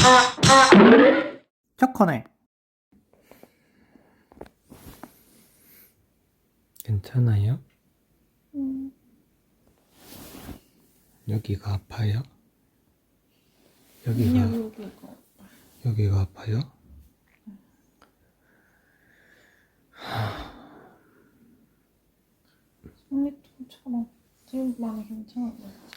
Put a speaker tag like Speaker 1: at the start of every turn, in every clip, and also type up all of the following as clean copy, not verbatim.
Speaker 1: 초코네. 괜찮아요? 여기가 아파요? 여기가 아파요?
Speaker 2: 생리통처럼 지금 많이 괜찮은 것 같아.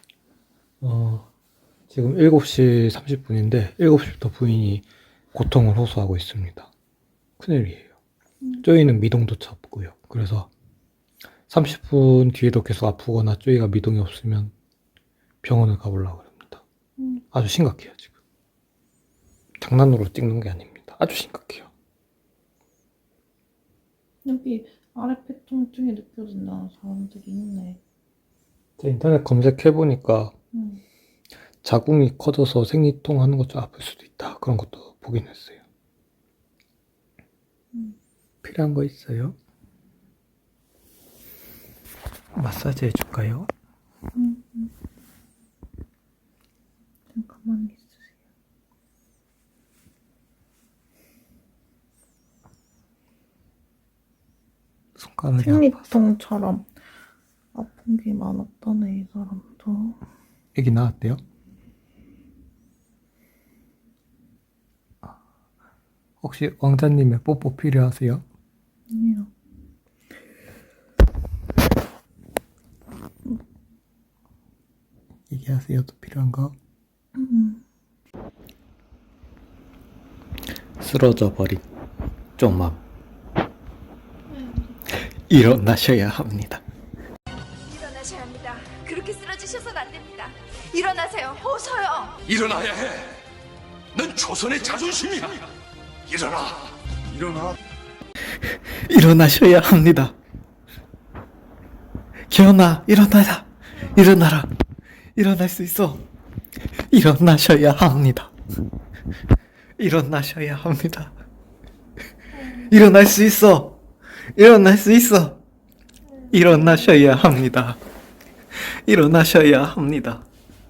Speaker 1: 지금 7시 30분인데 7시부터 부인이 고통을 호소하고 있습니다. 큰일이에요. 쪼이는 미동도 잡고요. 그래서 30분 뒤에도 계속 아프거나 쪼이가 미동이 없으면 병원을 가보려고 합니다. 아주 심각해요, 지금. 장난으로 찍는 게 아닙니다. 아주 심각해요.
Speaker 2: 여기 아랫배 통증이 느껴진다는 사람들이 있네.
Speaker 1: 제가 인터넷 검색해보니까 자궁이 커져서 생리통 하는 것 좀 아플 수도 있다. 그런 것도 보긴 했어요. 필요한 거 있어요? 마사지 해줄까요?
Speaker 2: 잠깐만 있으세요.
Speaker 1: 손가락이
Speaker 2: 생리통처럼 아픈 게 많았다네, 이 사람도.
Speaker 1: 애기 나왔대요? 혹시 왕자님의 뽀뽀 필요하세요?
Speaker 2: 아니요.
Speaker 1: 얘기하세요. 또 필요한 거? 쓰러져 버린 쪽맘. 일어나셔야 합니다.
Speaker 3: 일어나셔야 합니다. 그렇게 쓰러지셔서는 안 됩니다. 일어나세요. 어서요.
Speaker 4: 일어나야 해. 넌 조선의 자존심이야. 일어나. 일어나.
Speaker 1: 일어나셔야 합니다. 기현아, 일어나라. 일어나라. 일어날 수 있어. 일어나셔야 합니다. 일어나셔야 합니다. 일어날 수 있어. 일어날 수 있어. 일어나셔야 합니다. 일어나셔야 합니다.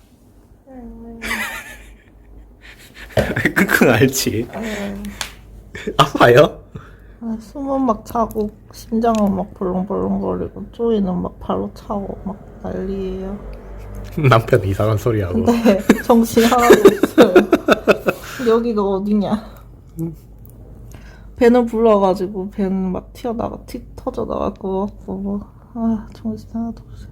Speaker 1: 끙끙 앓지? 아파요?
Speaker 2: 숨은 막 차고 심장은 막 벌렁벌렁거리고 쪼이는 막 발로 차고 막 난리예요.
Speaker 1: 남편 이상한 소리 하고.
Speaker 2: 네, 정신 하나도 없어요. 여기가 어디냐? 배는 불러가지고 배는 막 튀어나가 터져 나갈 것 같고 뭐. 정신 하나도 없어요.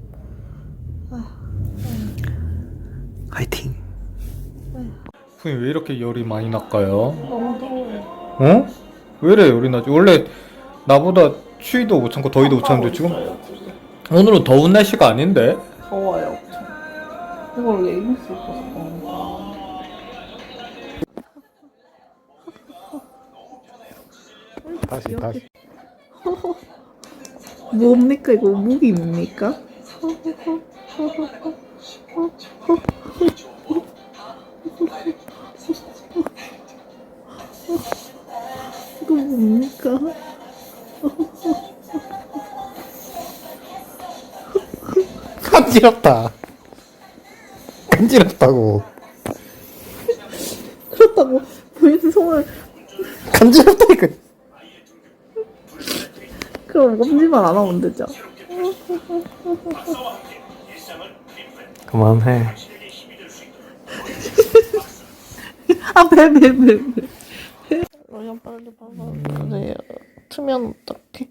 Speaker 1: 화이팅. 부인 왜 이렇게 열이 많이 날까요?
Speaker 2: 너무 더워요.
Speaker 1: 어? 왜 이래 열이 나지? 원래 나보다 추위도 못 참고 더위도 못 참는데 지금 오늘은 더운 날씨가 아닌데?
Speaker 2: 더워요. 이걸 레깅스 입어서 그런가.
Speaker 1: 다시
Speaker 2: 뭡니까 이거 무기입니까? 이거 뭡니까?
Speaker 1: 간지럽다. 간지럽다고.
Speaker 2: 그렇다고 부인 손을
Speaker 1: 간지럽다니까.
Speaker 2: 그럼 엄지만 안 하면 되죠?
Speaker 1: 그만해.
Speaker 2: 배. 로션 빨리 발라주세요. 트면 어떡해.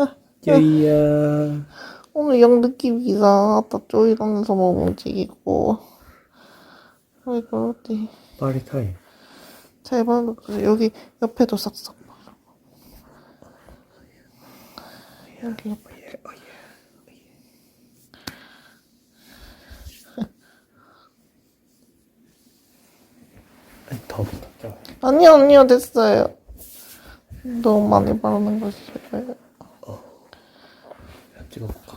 Speaker 1: 여이야.
Speaker 2: 오늘 영 느낌이 이상하다. 쪼이러면서 막 움직이고. 아이고, 어디.
Speaker 1: 파리 타임.
Speaker 2: 잘 발라주세요. 여기 옆에도 싹싹 발라. 여기 옆에.
Speaker 1: 더 붙었죠.
Speaker 2: 아니요, 됐어요. 너무 많이 바르는 거 싫어요.
Speaker 1: 찍어볼까?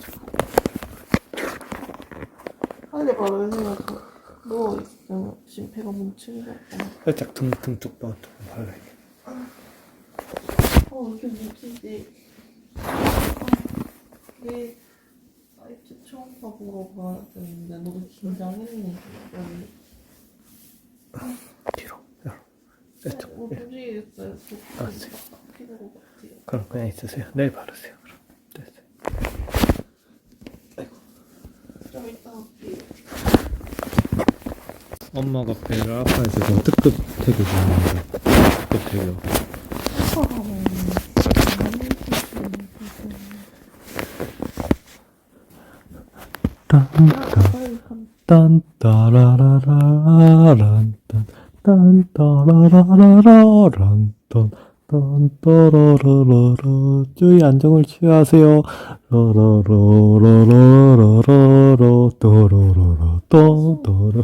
Speaker 2: 빨리 바르세요. 누워있으면 지금 배가 뭉치고.
Speaker 1: 살짝 등 쪽도 조금 발라야 돼.
Speaker 2: 이렇게 뭉치지. 이게 사이트 처음 봐보러 가야 되는데 너무 긴장했네. 뭐 부지겠어요.
Speaker 1: 알았어요.
Speaker 2: 피는 것 같아요.
Speaker 1: 그럼 그냥 있으세요. 내일 바르세요. 그럼 됐어요.
Speaker 2: 좀 이따 할게요.
Speaker 1: 엄마가 배를 아파해서 특급 태교 중입니다. 특급 태교. 딴따라라라란딴 주의 안정을 취하세요. 라라라라라라라라 또로로로 또또로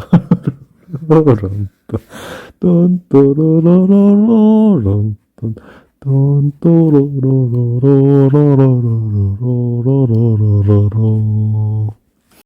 Speaker 1: 딴따라라라라란딴